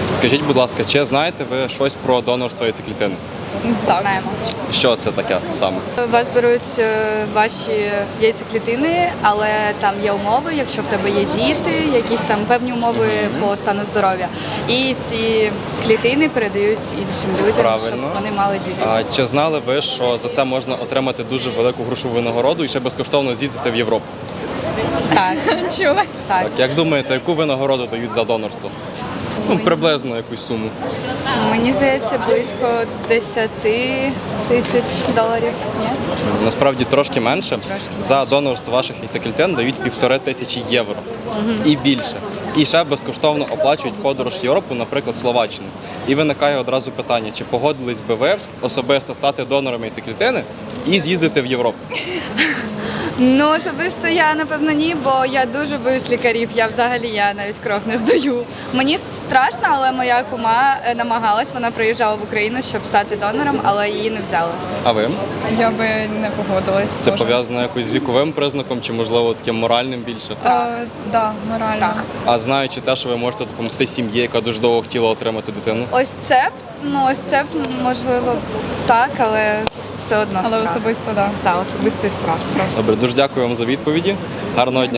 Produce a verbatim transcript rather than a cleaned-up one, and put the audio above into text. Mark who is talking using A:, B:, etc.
A: Скажіть, будь ласка, чи знаєте ви щось про донорство яйцеклітини?
B: Так.
C: Знаємо.
A: Що це таке саме?
C: У вас беруть е, ваші яйцеклітини, але там є умови, якщо в тебе є діти, якісь там певні умови по стану здоров'я. І ці клітини передають іншим людям,
A: Правильно.
C: щоб вони мали дітей.
A: А чи знали ви, що за це можна отримати дуже велику грошову винагороду і ще безкоштовно з'їздити в Європу?
C: Так,
B: Чули?
C: так.
A: Так, як думаєте, яку винагороду дають за донорство? Ну, приблизно якусь суму.
C: Мені здається, близько десяти тисяч доларів. Ні?
A: Насправді трошки менше. За донорство ваших яйцеклітин дають півтори тисячі євро і більше. І ще безкоштовно оплачують подорож в Європу, наприклад, Словаччину. І виникає одразу питання, чи погодились би ви особисто стати донором яйцеклітини і з'їздити в Європу?
C: Ну, особисто я, напевно, ні, бо я дуже боюсь лікарів. Я взагалі я навіть кров не здаю. Мені страшно, але моя кума е, намагалась, вона приїжджала в Україну, щоб стати донором, але її не взяли.
A: А ви?
B: Я би не погодилась.
A: Це
B: теж.
A: пов'язано якось з віковим признаком, чи, можливо, таким моральним більше?
B: Е, да, морально.
C: Страх.
A: А знаючи те, що ви можете допомогти сім'ї, яка дуже довго хотіла отримати дитину?
C: Ось це, ну ось це можливо так, але все одно
B: Але
C: страх.
B: особисто, так. Да.
C: Так, особистий страх. Просто.
A: Добре, дуже дякую вам за відповіді. Гарного дня.